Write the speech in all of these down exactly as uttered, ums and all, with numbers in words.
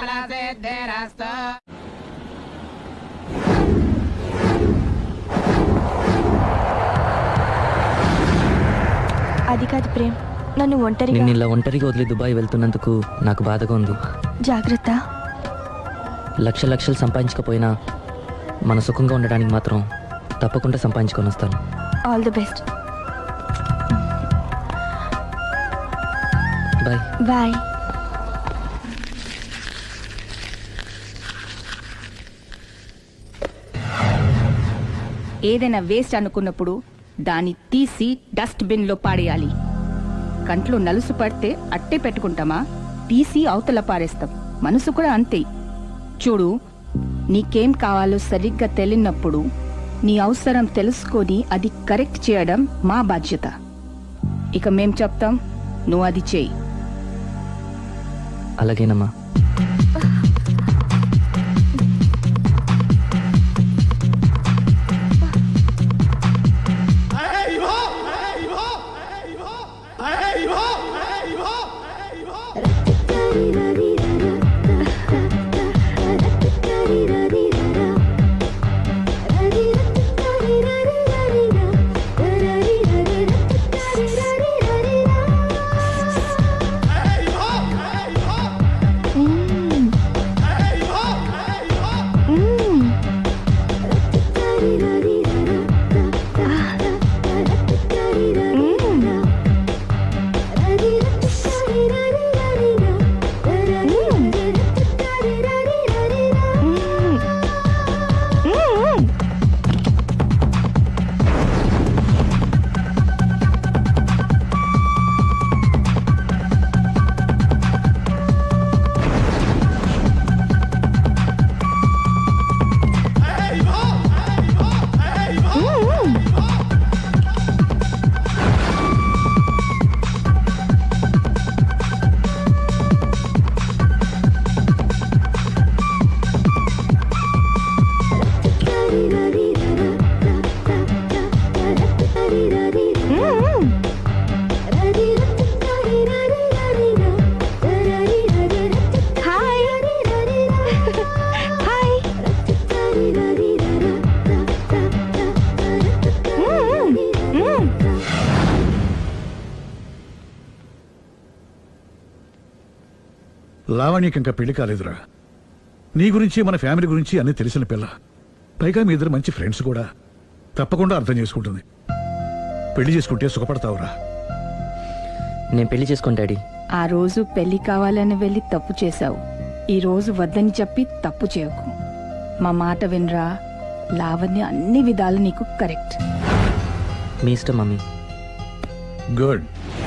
అది కాదు ప్రేమ్, నన్ను ఒంటరిగా నిన్ను ఇలా ఒంటరిగా వదిలి దుబాయ్ వెళ్తున్నందుకు నాకు బాధగా ఉంది. జాగ్రత్త. లక్ష లక్షలు సంపాదించకపోయినా మన సుఖంగా ఉండడానికి మాత్రం తప్పకుండా సంపాదించుకొని వస్తాను. All the best. Bye bye. ఏదైనా వేస్ట్ అనుకున్నప్పుడు దాన్ని తీసి డస్ట్ బిన్ లో పాడేయాలి. కంట్లో నలుసు పడితే అట్టే పెట్టుకుంటామా, తీసి అవతల పారేస్తాం. మనసు కూడా అంతే. చూడు, నీకేం కావాలో సరిగ్గా తెలియనప్పుడు నీ అవసరం తెలుసుకొని అది కరెక్ట్ చేయడం మా బాధ్యత. ఇక మేం చెప్తాం, నువ్వు అది చేయి. అలాగేనమ్మా. లావణ్యకి ఇంకా పెళ్లి కాలేదురా. నీ గురించి మన ఫ్యామిలీ గురించి అన్నీ తెలిసిన పిల్ల. పైగా మీ ఇద్దరు మంచి ఫ్రెండ్స్ కూడా. తప్పకుండా అర్థం చేసుకుంటుంది. పెళ్లి చేసుకుంటే సుఖపడతావురా. నేను పెళ్లి చేసుకోను డాడీ. ఆ రోజు పెళ్లి కావాలని వెళ్ళి తప్పు చేశావు. ఈ రోజు వద్దని చెప్పి తప్పు చేయకు. మా మాట వినరా. లావణ్య అన్ని విధాలు నీకు కరెక్ట్. మీ ఇష్టం మమ్మీ. గుడ్.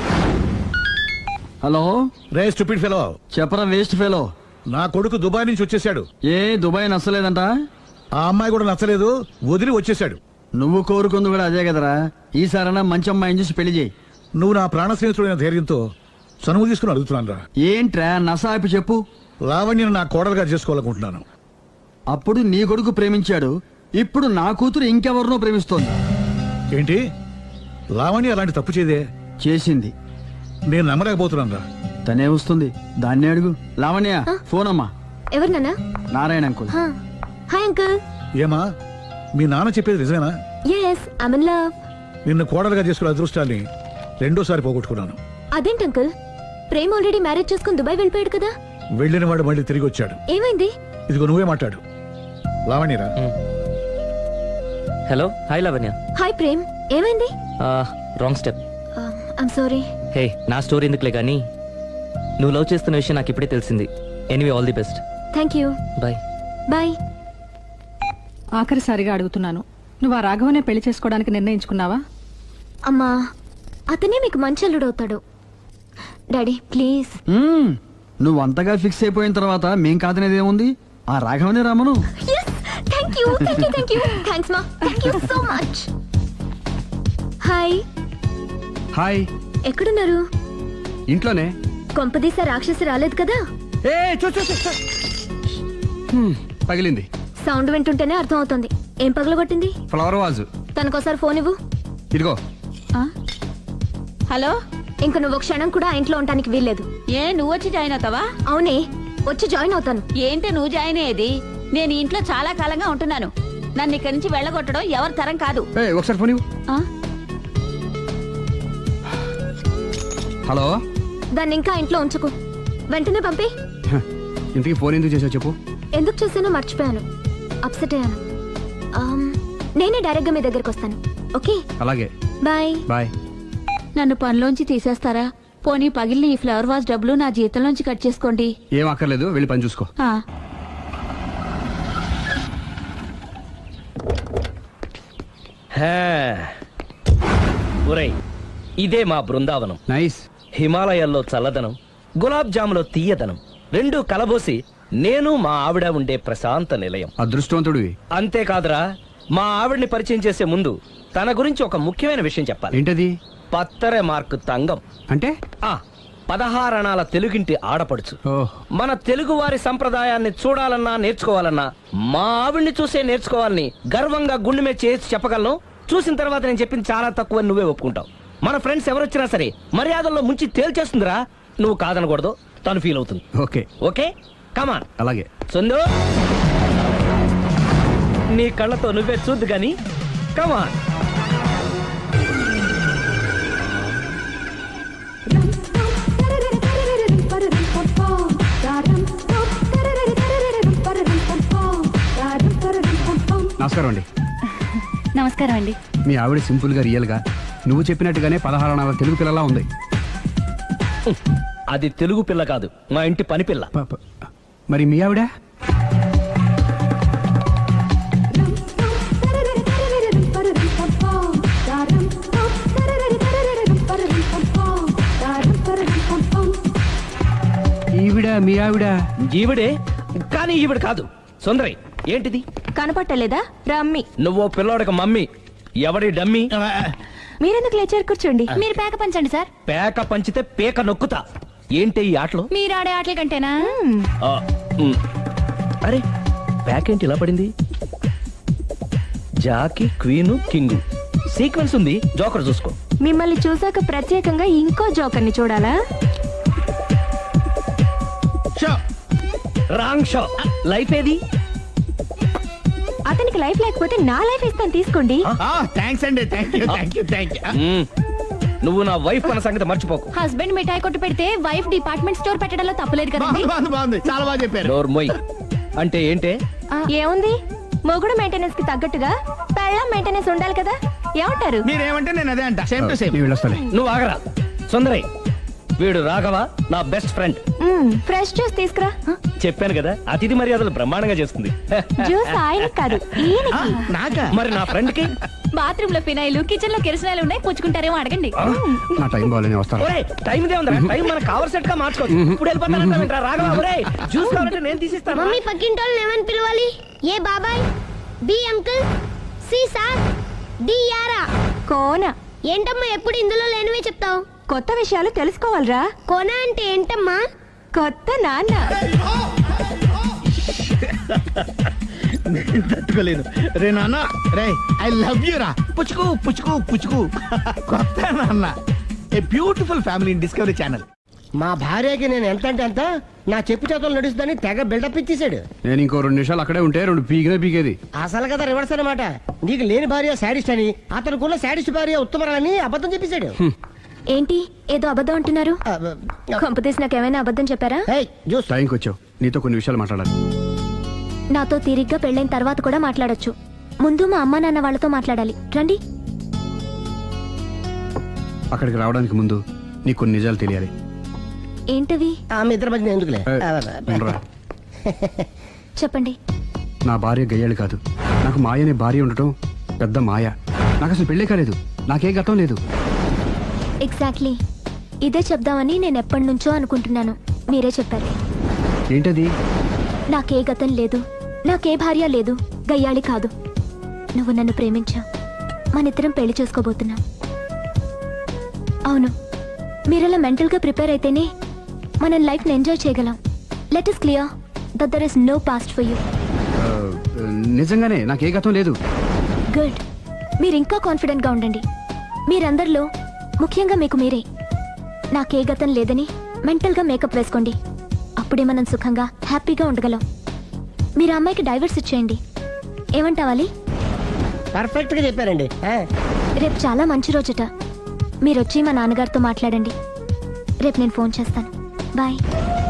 హలో రే స్టూపిడ్ ఫెలో. చెప్పరా వేస్ట్ ఫెలో. నా కొడుకు దుబాయ్ నుంచి వచ్చేసాడు. ఏ దుబాయ్ నచ్చలేదంట? ఆ అమ్మాయి కూడా నచ్చలేదు, వదిలి వచ్చేసాడు. నువ్వు కోరుకుంది కూడా అదే కదరా. ఈసారైనా మంచి అమ్మాయిని చూసి పెళ్లి చేయి. నువ్వు నా ప్రాణ స్నేహితుడైన ధైర్యంతో చనువు తీసుకుని అడుగుతున్నాను రా. ఏంట్రా నసాపి చెప్పు. లావణ్యను నా కోడలుగా చేసుకోవాలనుకుంటున్నాను. అప్పుడు నీ కొడుకు ప్రేమించాడు, ఇప్పుడు నా కూతురు ఇంకెవరినో ప్రేమిస్తోంది. ఏంటి? లావణ్య అలాంటి తప్పు చేదే? చేసింది. నేను నమ్మలేకపోతున్నాను రా. తనే వస్తుంది, దాన్నే అడుగు. లావణ్య ఫోన్ అమ్మా. ఎవరు నాన్న? నారాయణ అంకుల్. Hi uncle. ఏమా మీ నాన్న చెప్పేది నిజమేనా? yes i'm in love. నిన్ను కోడలుగా చేసుకునే అదృష్టాన్ని రెండోసారి పోగొట్టుకున్నాను. అదేంటి అంకుల్, ప్రేమ్ ఆల్రెడీ మ్యారేజ్ చేసుకుని దుబాయ్ వెళ్ళిపోయాడు కదా. వెళ్ళిన వాడు మళ్ళీ తిరిగి వచ్చాడు. ఏమైంది? ఇదిగో నువ్వే మాట్లాడు. లావణ్యరా. Hello. Hi Lavanya. Hi Prem, ఏమైంది? Wrong step. I'm sorry. Hey, నా స్టోరీ ఎందుకులే కానీ నువ్వు లవ్ చేస్తున్న విషయం నాకు ఇప్పుడే తెలిసింది. Anyway all the best. Thank you. Bye bye. ఆఖరిసారిగా అడుగుతున్నాను, నువ్వు ఆ రాఘవనే పెళ్లి చేసుకోవడానికి నిర్ణయించుకున్నావా? అమ్మా, అతనే మీకు మంచి అల్లుడవుతాడు. Daddy please. మ్మ్. నువ్వు అంతగా ఫిక్స్ అయిపోయిన తర్వాత మేం కాదనేది ఏముంది? ఆ రాఘవనే రామను. Thank you thank you thank you thanks మా. Thank you so much. Hi. Hi. ఎక్కడున్నారు? ఇంట్లోనే. కొంపదీసా రాక్షసి రాలేదు కదా? ఏ చూ చూ చూ. హ్మ్, పగిలింది. సౌండ్ వింటుంటేనే అర్థం అవుతుంది. ఏం పగలగొట్టింది? Flower vase. తనకోసారి ఫోన్ ఇవ్వు. ఇదిగో. హలో. ఇంక నువ్వు క్షణం కూడా ఆ ఇంట్లో ఉండడానికి వీల్లేదు. ఏ నువ్వు వచ్చి జాయిన్ అవుతావా? అవునే, వచ్చి జాయిన్ అవుతాను. ఏంటి నువ్వు జాయిన్ అయ్యేది? నేను ఈ ఇంట్లో చాలా కాలంగా ఉంటున్నాను. నన్ను ఇక్కడి నుంచి వెళ్ళగొట్టడం ఎవరి తరం కాదు. ఏయ్, ఒకసారి ఫోన్ ఇవ్వు. ఆ? హలో. దాన్ని ఇంకా ఇంట్లో ఉంచుకో. వెంటనే పంపి. హ, ఇంతకీ ఫోన్ ఎందుకు చేసావు చెప్పు. ఎందుకు చేశానో మర్చిపోయాను. అప్సెట్ అయ్యాను. ఆమ్, నేనే డైరెక్ట్ గా మీ దగ్గరికి వస్తాను. ఓకే అలాగే, బాయ్. బాయ్. నన్ను పనిలోంచి తీసేస్తారా? పోనీ పగిలిన ఈ ఫ్లవర్ వాజ్ డబ్బులు నా జీతంలోంచి కట్ చేసుకోండి. ఏం అక్కర్లేదు, వెళ్ళి పని చూసుకో. ఆ. హే. ఒరేయ్, ఇదే మా బృందావనం. నైస్. హిమాలయాల్లో చల్లదనం, గులాబ్ జాములో తీయదనం రెండు కలబోసి నేను మా ఆవిడ ఉండే ప్రశాంత నిలయం. అదృష్టవంతుడివి. అంతేకాదురా, మా ఆవిడ్ని పరిచయం చేసే ముందు తన గురించి ఒక ముఖ్యమైన విషయం చెప్పాలి. ఏంటది? పత్తరె మార్కు తంగం అంటే? ఆ పదహారణాల తెలుగింటి ఆడపడుచు. ఓహ్. మన తెలుగు వారి సంప్రదాయాన్ని చూడాలన్నా నేర్చుకోవాలన్నా మా ఆవిడ్ని చూసే నేర్చుకోవాలని గర్వంగా గుండె మీద చేసి చెప్పగలను. చూసిన తర్వాత నేను చెప్పింది చాలా తక్కువ నువ్వే ఒప్పుకుంటావు. మన ఫ్రెండ్స్ ఎవరొచ్చినా సరే మర్యాదల్లో ముంచి తేల్చేస్తుందిరా. నువ్వు కాదనకూడదు, తను ఫీల్ అవుతుంది. Okay okay come on. అలాగే. సుందు, నీ కళ్ళతో నువ్వే చూద్దు గాని కమాన్. నమస్కారం అండి. నమస్కారం అండి. మీ ఆవిడ సింపుల్ గా రియల్ గా నువ్వు చెప్పినట్టుగానే పదహారు అనాల తెలుగు పిల్లలా ఉంది. అది తెలుగు పిల్ల కాదు, మా ఇంటి పని పిల్ల. ప- ప- మరి మీ ఆవిడ? ఈవిడ మీ ఆవిడ? ఈవిడే, కానీ ఈవిడ కాదు. సుందరి, ఏంటిది? కనపట్టలేదా? రమ్మి. నువ్వు పిల్లోడికి మమ్మీ, ఎవడి డమ్మీ? మీరెందుకు లేచారు? కూర్చోండి. మీరు పేక పంచండి సార్. పేక పంచితే పేక నొక్కుతా. ఏంటి ఈ ఆటలు? మీరు ఆడే ఆటల కంటేనా? ఆ, ఉమ్. అరే, పేక ఏంటి ఇలా పడింది? జాకి, క్వీను, కింగు సీక్వెన్స్ ఉంది. జోకర్ చూసుకో. మిమ్మల్ని చూసాక ప్రత్యేకంగా ఇంకో జోకర్ని చూడాలా? Wrong show. లైఫ్ ఏది? అతనికి లైఫ్ లేకపోతే నా లైఫ్ ఇస్తాను, తీసుకోండి. థ్యాంక్స్ అండి. Thank you thank you thank you. Um. నువ్వు నా వైఫ్ అన్న సంగతి మర్చిపోకు. హస్బెండ్ మిఠాయి కొట్టు పెడితే వైఫ్ డిపార్ట్మెంట్ స్టోర్ పెట్టడంలో తప్పలేదు కదండి. బాగుంది బాగుంది బాగుంది, చాలా బాగా చెప్పారు. డోర్ మొయ్. అంటే ఏంటే? ఏముంది, మొగుడు మెయింటెనెన్స్ కి తగ్గట్టుగా పెళ్ళాం మెయింటెనెన్స్ ఉండాలి కదా. ఏమంటారు? మీరేమంటే నేను అదే అంట. Same to same. మీ వెళ్ళొస్తాలే. నువ్వు ఆగరా. సుందరి, వీడు రాఘవ, నా best friend. Hmm, fresh juice తీసుకురా. చెప్పాను కదా, అతిథి మర్యాదలు బ్రహ్మాండంగా చేస్తుంది. జ్యూస్ ఆయనకి కాదు, ఈయనకి. నాకా? మరి నా ఫ్రెండ్ కి? బాత్రూమ్ లో ఫినాయిల్, కిచెన్ లో కిరసనాయిలు ఉన్నాయి, పుచ్చుకుంటారేమో అడగండి. నా టైం బాగాలేని వస్తాను. ఒరేయ్, టైం ఇదే ఉందిరా. టైం మనకు కవర్ సెట్ గా మార్చుకోవచ్చు. ఇప్పుడు వెళ్ళిపోతానంటావేంట్రా రాఘవ? ఒరేయ్, జ్యూస్ కావాలంటే నేను తీసిస్తాను. మమ్మీ పక్కింటి వాళ్ళని ఏమని పిలవాలి? ఏ బాబాయ్, B uncle, C sir, D యారా. కోన. ఏంటమ్మా ఎప్పుడు ఇందులో లేనివే చెప్తావు? కొత్త విషయాలు తెలుసుకోవాలిరా. కోన అంటే ఏంటమ్మా? కొత్త నాన్న. నేను తట్టుకోలేను. రే నాన్న, రే ఐ లవ్ యూ రా. పుచ్చుకు పుచ్చుకు పుచ్చుకు. కొత్త నాన్న. A beautiful family in Discovery channel. మా భార్యకి నేను ఎంత అంటే అంత నా చెప్పు చేతులు నడుస్తుందని తెగ బిల్డప్ ఇచ్చేసాడు. నేను ఇంకో రెండు నిమిషాలు అక్కడే ఉంటే రెండు పీకినే పీకేది. అసలు కదా రివర్స్ అనమాట. నీకు లేని భార్య శాడిస్ట్ అని, అతనుకున్న శాడిస్ట్ భార్య ఉత్తమరాలని అబద్ధం చెప్పేశాడు. ఏంటి ఏదో అబద్ధం అంటున్నారు? ఆ, కొంపతీసి నాకేమైనా అబద్ధం చెప్పారా? ఏయ్, జ్యూస్. టైంకి వచ్చావు, నీతో కొన్ని విషయాలు మాట్లాడాలి. నాతో తీరిగ్గా పెళ్ళైన తర్వాత కూడా మాట్లాడొచ్చు. ముందు మా అమ్మా నాన్న వాళ్ళతో మాట్లాడాలి. రండి. అక్కడికి రావడానికి ముందు నీకు కొన్ని నిజాలు తెలియాలి. ఏంటవి? ఆమె ఇద్దరి మధ్య ఎందుకులే. ఏయ్, ఉండరా. చెప్పండి. నా భార్య గయ్యాళి కాదు. నాకు మాయ అనే భార్య ఉండటం పెద్ద మాయ. నాకు అసలు పెళ్ళే కాలేదు, నాకే గతం లేదు. ఎగ్జాక్ట్లీ ఇదే చెప్దామని నేను ఎప్పటి నుంచో అనుకుంటున్నాను. మీరే చెప్పారు. ఏంటది? నాకే గతం లేదు, నాకే భార్య లేదు, గయ్యాళి కాదు. నువ్వు నన్ను ప్రేమించావు, మనిద్దరం పెళ్లి చేసుకోబోతున్నాం. అవును, మీరలా మెంటల్గా ప్రిపేర్ అయితేనే మనం లైఫ్ని ఎంజాయ్ చేయగలం. Let is clear that there is no past for you. ఆ, నిజంగానే నాకే గతం లేదు. గుడ్. మీరు ఇంకా కాన్ఫిడెంట్గా ఉండండి. మీరందరిలో ముఖ్యంగా మీకు మీరే నాకే గతం లేదని మెంటల్గా మేకప్ వేసుకోండి. అప్పుడే మనం సుఖంగా హ్యాపీగా ఉండగలం. మీరు ఆ అమ్మాయికి డైవర్స్ ఇచ్చేయండి. ఏమంటావాలి? పర్ఫెక్ట్ గా చెప్పారండి. ఆ, రేపు చాలా మంచి రోజుట. మీరు వచ్చి మా నాన్నగారితో మాట్లాడండి. రేపు నేను ఫోన్ చేస్తాను. బాయ్.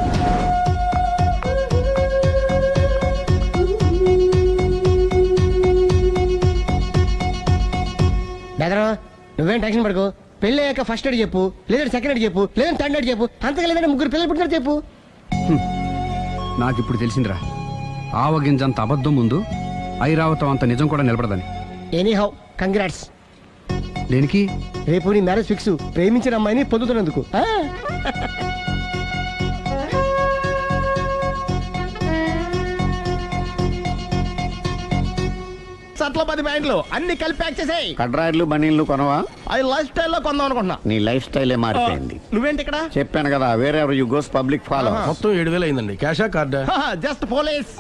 బెదరు నువ్వేం టెన్షన్ పడుకో. పెళ్ళి అయ్యాక ఫస్ట్ ఎయిడ్ చెప్పు, లేదంటే సెకండ్ ఎయిడ్ చెప్పు, లేదంటే థర్డ్ ఎయిడ్ చెప్పు, అంతగా లేదంటే ముగ్గురు పిల్లలు పుట్టినారు చెప్పు. నాకు ఇప్పుడు తెలిసిందిరా, ఆవగింజంత అబద్ధం ముందు ఐరావతం అంత నిజం కూడా నిలబడదని. Any how congrats. దేనికి? రేపు నీ మ్యారేజ్ ఫిక్స్, ప్రేమించిన అమ్మాయిని పొందుతున్నందుకు. ఆ? సట్ల పది ప్యాంట్లు అన్ని కలిపి ప్యాక్ చేసేయ్. కడ్రాయిలు బనీళ్లు కొనవా? అది లైఫ్ స్టైల్లో కొందాం అనుకుంటున్నా. నీ లైఫ్ స్టైలే మారిపోయింది. నువ్వేంటి ఇక్కడ? చెప్పాను కదా, వేరే ఎవరు యు గోస్ పబ్లిక్ ఫాలో. మొత్తం ఏడు వేలు అయిందండి. క్యాషా కార్డా? Just police.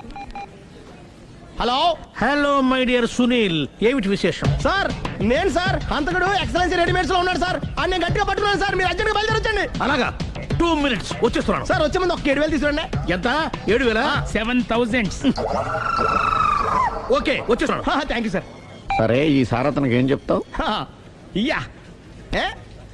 Hello hello my dear Sunil, ఏమిటి విశేషం? సార్ నేను సార్ అంతకుడు ఎక్సలెన్సీ రెడీమేడ్స్ లో ఉన్నాడు సార్. అని నేను గట్టిగా పట్టుకున్నాను సార్. మీరు అర్జెంట్ గా బయలుదేరొచ్చండి. అలాగా, టూ మినిట్స్ వచ్చేస్తున్నాను సార్. వచ్చే ముందు ఒక ఏడు వేలు తీసుకురండి. ఎంత? ఏడు వేల సెవెన్ థౌసండ్. ఓకే వచ్చేస్తున్నాను. Thank you sir. సరే, ఈ సార్ అతనికి ఏం చెప్తావు? యా ఏ?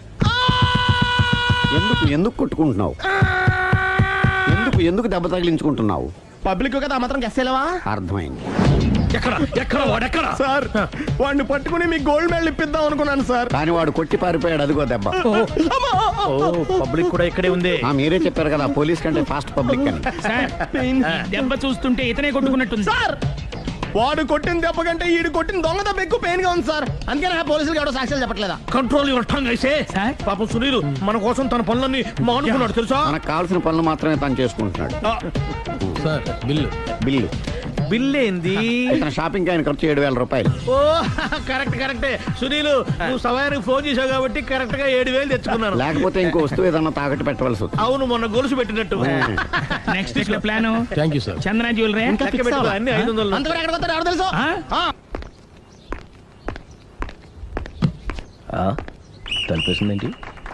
ఎందుకు ఎందుకు కొట్టుకుంటున్నావు? ఎందుకు ఎందుకు దెబ్బ తగిలించుకుంటున్నావు? పబ్లిక్ కదా మాత్రం గెస్సేలేవా? అర్థమైంది. ఎక్కడ ఎక్కడ వాడెక్కడ? సార్ వాడిని పట్టుకుని మీ గోల్డ్ మెడల్ ఇప్పిద్దాం అనుకున్నాను సార్. కానీ వాడు కొట్టి పారిపోయాడు, అదిగో దెబ్బ. పబ్లిక్ కూడా ఇక్కడే ఉంది. ఆ, మీరే చెప్పారు కదా పోలీస్ కంటే ఫాస్ట్ పబ్లిక్ అని. దెబ్బ చూస్తుంటే ఇతనే కొట్టుకున్నట్టుంది సార్. వాడు కొట్టిన దెబ్బ కంటే ఈడు కొట్టిన దొంగ దెబ్బ ఎక్కువ పెయిన్ గా ఉంది సార్. అందుకని ఆ పోలీసులు ఎవడో సాక్ష్యాలు చెప్పట్లేదా? కంట్రోల్ యువర్ టంగ్ అయితే. పాపం సునీల్ మన కోసం తన పనులన్నీ మానుకున్నాడు తెలుసా? మనకు కావాల్సిన పనులు మాత్రమే తను చేసుకుంటున్నాడు. సార్ బిల్లు బిల్లు బిల్ ఏంది? ఇతను షాపింగ్ ఆయన ఖర్చు ఏడు వేల రూపాయలు. ఓ కరెక్ట్ కరెక్టే సునీల్, నువ్వు సమయానికి ఫోన్ చేసావు కాబట్టి కరెక్ట్ గా ఏడు వేలు తెచ్చుకున్నాను. లేకపోతే ఇంకో వస్తువు ఏదన్నా తాకట్టు పెట్టవలసి వస్తుంది. అవును, మొన్న గొలుసు పెట్టినట్టు. నెక్స్ట్ వీక్ లో plan thank you sir. Chandana jewellery అన్ని ఐదు వందలు. అంతవరకు ఎక్కడ పోతారు ఎవరు తెలుసు? తలిపేసిందేంటి?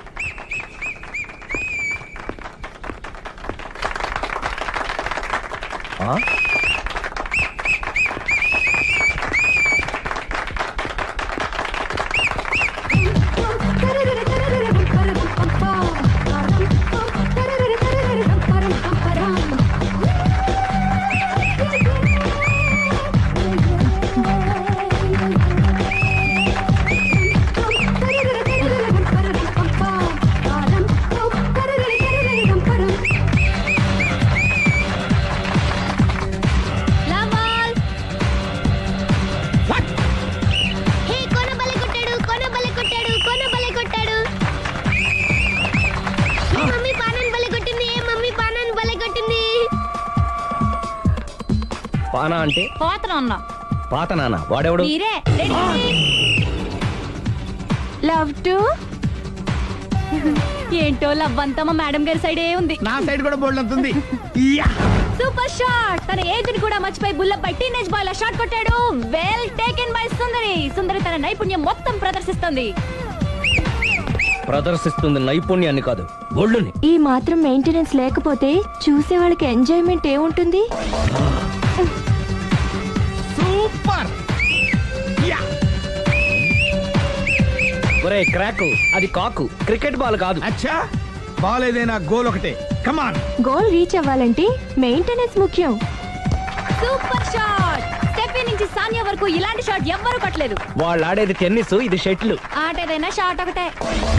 హే కొన బలే కొట్టాడు, కొన బలే కొట్టాడు, కొన బలే కొట్టాడు. ఏ మమ్మీ పానన్ బలే కొట్టింది, ఏ మమ్మీ పానన్ బలే కొట్టింది. పానా అంటే పోతన ఉన్నా పాత నాన్న. వాడెవడు? మీరే లవ్ టు ఏంటో లవ్ అంతా మా మేడం గారి సైడే ఉంది. నా సైడ్ కూడా బోల్డ్ అంతుంది. Super shot. తన ఏజ్ ని కూడా మర్చిపోయి బుల్లపై టీనేజ్ బాయ్ లా షాట్ కొట్టాడు. Well taken by Sundari. Sundari తన నైపుణ్యం మొత్తం ప్రదర్శిస్తుంది. ప్రదర్శిస్తుంది నైపుణ్యాన్ని కాదు, ఒళ్ళుని. ఈ మాత్రం మెయింటెనెన్స్ లేకపోతే చూసే వాళ్ళకి ఎంజాయ్మెంట్ ఏముంటుంది? సూపర్. ఒరే క్రాకు, అది కాకు, క్రికెట్ బాల్ కాదు. అచ్చా, బాల్ ఏదైనా గోల్ ఒకటే. కమాన్. గోల్ రీచ్ అవ్వాలంటే మెయింటెనెన్స్ ముఖ్యం. Super shot. స్టెఫీ నుంచి సానియా వరకు ఇలాంటి షాట్ ఎవ్వరూ కొట్టలేదు. వాళ్ళు ఆడేది టెన్నిస్, ఇది షటిల్. ఆట ఏదైనా షాట్ ఒకటే.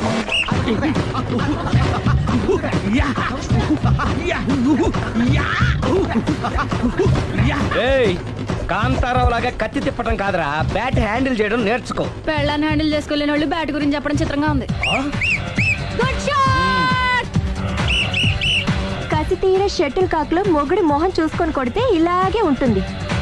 ఏయ్, కాంతారావు లాగా కత్తి తిప్పటం కాదురా, బ్యాట్ హ్యాండిల్ చేయడం నేర్చుకో. పెళ్ళాన్ని హ్యాండిల్ చేసుకోలేని వాళ్ళు బ్యాట్ గురించి చెప్పడం చిత్రంగా ఉంది. Good shot. కసి తీర షటిల్ కాక్ లో మొగుడి మొహం చూసుకొని కొడితే ఇలాగే ఉంటుంది.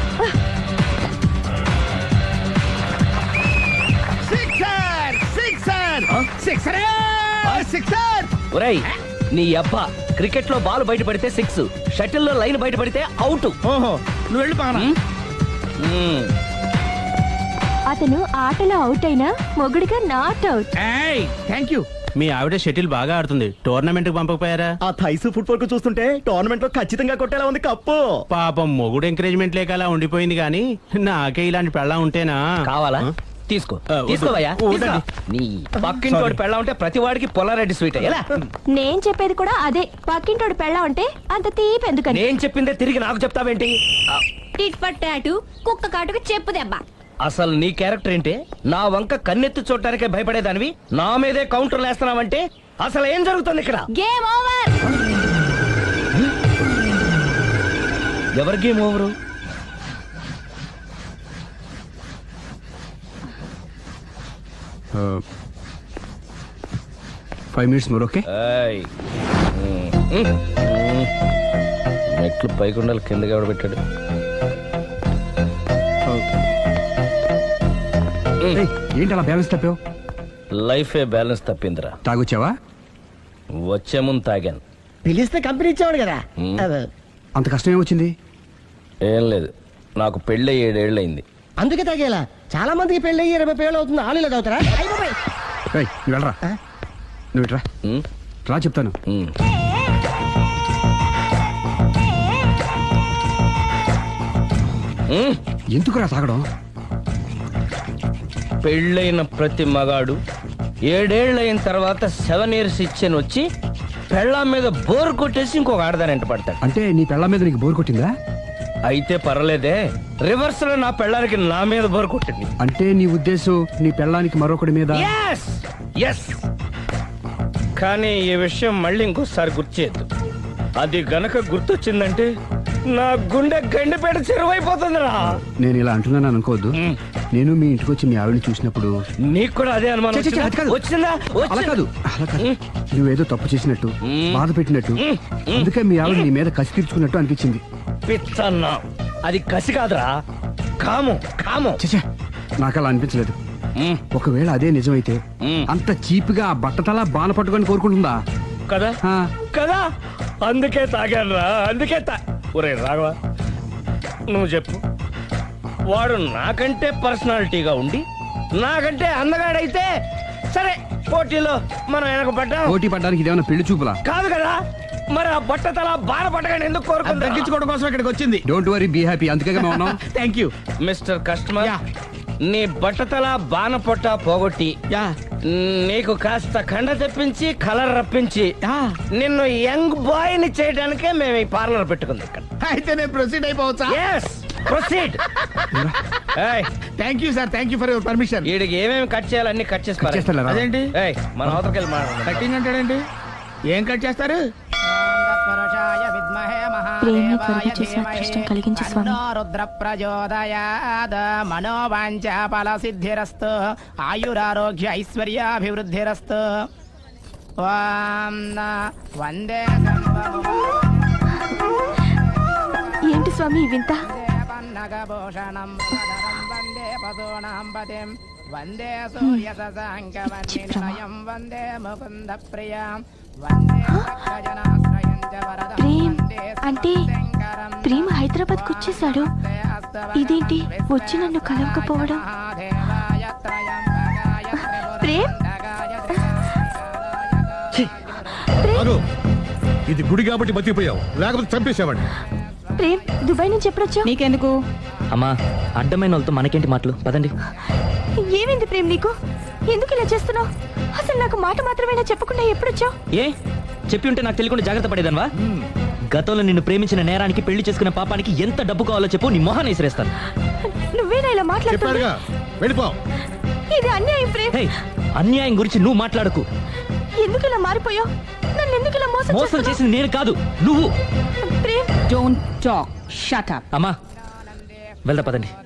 Sixer sixer sixer sixer. ఒరేయ్ నీ అబ్బా, క్రికెట్ లో బాల్ బయట పడితే సిక్స్, షటిల్ లో లైన్ బయట పడితే అవుట్. ఓహో, నువ్వు వెళ్ళి పానా. అతను ఆటలో అవుట్ అయినా మొగుడిగా నాట్ అవుట్. Thank you. మీ ఆవిడ షటిల్ బాగా ఆడుతుంది, టోర్నమెంట్ కి పంపకపోయారా? ఆ థైస్ ఫుట్బాల్ కు చూస్తుంటే టోర్నమెంట్ లో ఖచ్చితంగా కొట్టేలా ఉంది కప్పు. పాపం మొగుడు ఎంకరేజ్మెంట్ లేక అలా ఉండిపోయింది గానీ నాకే ఇలాంటి పెళ్ళా ఉంటేనా. కావాలా? తీసుకో తీసుకోవయ్యా. నీ పక్కింటోడి పెళ్ళ ఉంటే ప్రతి వాడికి పొలారెడ్డి స్వీట్ ఎలా? నేను చెప్పేది కూడా అదే, పక్కింటోడు పెళ్ళా ఉంటే అంత తీపి ఎందుకని. నేను చెప్పిందే తిరిగి నాకు చెప్తావేంటి? టిట్ ఫర్ టాటు, కుక్క కాటుకు చెప్పు దెబ్బ. అసలు నీ క్యారెక్టర్ ఏంటి? నా వంక కన్నెత్తి చూడటానికే భయపడేదానివి నా మీదే కౌంటర్ వేస్తున్నావంటే అసలు ఏం జరుగుతుంది ఇక్కడ? Game over. ఎవరి game over? Five minutes more. Okay. ఏయ్. ఉమ్, ఉమ్, ఉమ్. మెట్లు పైకుండాలి కిందకి ఎవడ పెట్టాడు? ఏయ్, ఏంటి అలా బ్యాలెన్స్ తప్పావు? లైఫే బ్యాలెన్స్ తప్పిందిరా. తాగొచ్చావా? వచ్చే ముందు తాగాను. పిలిస్తే కంపెనీ ఇచ్చేవాడు కదా. ఉమ్. అదే. అంత కష్టం ఏమొచ్చింది? ఏం లేదు, నాకు పెళ్ళి ఏడేళ్ళయింది. అందుకే తాగేలా. చాలా మందికి పెళ్ళి అయ్యి ఇరవై పేళ్ళు అవుతుంది, ఆలు ఇలా తాగుతారా? అయ్ బాబోయ్. ఏయ్, నువ్వు వెళ్ళరా. నువ్వు ఇట్రా ఉమ్, రా చెప్తాను. ఉమ్. ఉమ్. ఎందుకురా తాగడం? పెళ్ళైన ప్రతి మగాడు ఏడేళ్ళైన తర్వాత సెవెన్ ఇయర్స్ ఇచ్చాను వచ్చి పెళ్ళాం మీద బోర్ కొట్టేసి ఇంకొక ఆడదాని పడతాడు. అంటే నీ పెళ్ళ మీద నీకు బోర్ కొట్టిందా? అయితే పర్లేదే, రివర్స్ లో నా పెళ్ళానికి నా మీద బోర్ కొట్టింది. అంటే నీ ఉద్దేశం నీ పెళ్ళానికి మరొకటి మీద? Yes! Yes! కానీ ఈ విషయం మళ్ళీ ఇంకోసారి గుర్తు చేయొద్దు. అది గనక గుర్తొచ్చిందంటే నా గుండె గండిపేట చెరువైపోతుందిరా. నేను ఇలా అంటున్నాను అనుకోవద్దు. మ్. నేను మీ ఇంటికి వచ్చి మీ ఆవిడని చూసినప్పుడు నీకు కూడా అదే అనుమానం ఛే, ఛే, ఛే, అది కాదు. వచ్చిందా? అలా వచ్చిందా? కాదు, అలా కాదు. మ్. నువ్వేదో తప్పు చేసినట్టు, మ్. బాధ పెట్టినట్టు, మ్. మ్. అందుకే మీ ఆవిడ నీ మీద కసి తీర్చుకున్నట్టు అనిపించింది. పిచ్చన్నా, అది కసి కాదురా, కాము కాము. చచ్చా, నాకు అలా అనిపించలేదు. మ్. ఒకవేళ అదే నిజమైతే మ్. అంత చీప్ గా ఆ బట్టతలా బాన పట్టుకొని కోరుకుంటుందా? కదా ఆ. కదా అందుకే తాగానురా, అందుకే తా ఒరే రాఘవ, నువ్వు చెప్పు. వాడు నాకంటే పర్సనాలిటీగా ఉండి నాకంటే అందగాడైతే సరే, పోటీలో మనం వెనక పడ్డాం. పోటీ పడ్డానికి ఇదేమన్నా పెళ్లి చూపులా? కాదు కదా, మరి ఆ బట్ట తల బాధ పట్టగానే ఎందుకు కోరుకుంటా? తగ్గించుకోవడం కోసం ఇక్కడికి వచ్చింది. Don't worry, be happy. అందుకే మేము ఉన్నాం. Thank you. మిస్టర్ కస్టమర్, నీ బట్టతల బాన పొట్ట పోగొట్టి నీకు కాస్త కండ తెప్పించి కలర్ రప్పించి నిన్ను యంగ్ బాయ్ ని చేయడానికే మేము ఈ పార్లర్ పెట్టుకుంది ఇక్కడ. అయితే నేను ప్రొసీడ్ అయిపోవచ్చా? Yes, proceed. ఏయ్, thank you sir, thank you for your permission. వీడికి ఏమేమి కట్ చేయాలి అన్ని కట్ చేసి పారేయ్. చేస్తారా? అదేంటి ఏయ్, మన అవతలకి వెళ్ళి మాట్లాడదాం. కటింగ్ అంటాడండి? ఏం కట్ చేస్తారు? ప్రేమ త్వరగా చేసిన అదృష్టం కలిగించు స్వామి. రుద్ర ప్రచోదయాద్ మనోవాంఛ ఫల సిద్ధిరస్తు ఆయురారోగ్య ఐశ్వర్యాభివృద్ధిరస్తు. వందే ఏంటి స్వామి ఈ వింత? పన్నగభూషణం వందే పశూనాం పతిం వందే సూర్య శశాంక వందినిలయం వందే ముకుంద ప్రియాం వందే భక్తజనాశ్రయం చ వరదం ప్రేమ్ వందే అంటే శంకరం. ప్రేమ హైదరాబాద్ కు వచ్చేసాడు. ఇదేంటి వచ్చి నన్ను కలవకపోవడం? ప్రేమ్ అదో, ఇది గుడి కాబట్టి బతికిపోయావు, లేకపోతే చంపేసేవాడిని. ప్రేమ్ దుబాయ్ నుంచి ఎప్పుడొచ్చా? నీకెందుకు? అమ్మా, అడ్డమైన వాళ్ళతో మనకేంటి మాటలు? పదండి. ఏమైంది ప్రేమ్ నీకు? ఎందుకు ఇలా చేస్తున్నావు? అసలు నాకు మాట మాత్రమేనా చెప్పకుండా ఎప్పుడొచ్చావు? ఏ చెప్పి ఉంటే నాకు తెలియకుండా జాగ్రత్త పడేదన్వా? గతంలో నిన్ను ప్రేమించిన నేరానికి, పెళ్లి చేసుకున్న పాపానికి ఎంత డబ్బు కావాలో చెప్పు, నీ మొహాన్ని విసిరేస్తాను. నువ్వేనా ఇలా మాట్లాడుతున్నావు? చెప్పాడుగా, వెళ్ళిపో. ఇది అన్యాయం ప్రేమ్. హే, అన్యాయం గురించి నువ్వు మాట్లాడకు. ఎందుకు ఇలా మారిపోయావు? నన్ను ఎందుకు ఇలా మోసం మోసం చేస్తున్నావు? చేసింది నేను కాదు, నువ్వు. Prem don't talk, shut up. అమ్మా, వెళ్దా పదండి.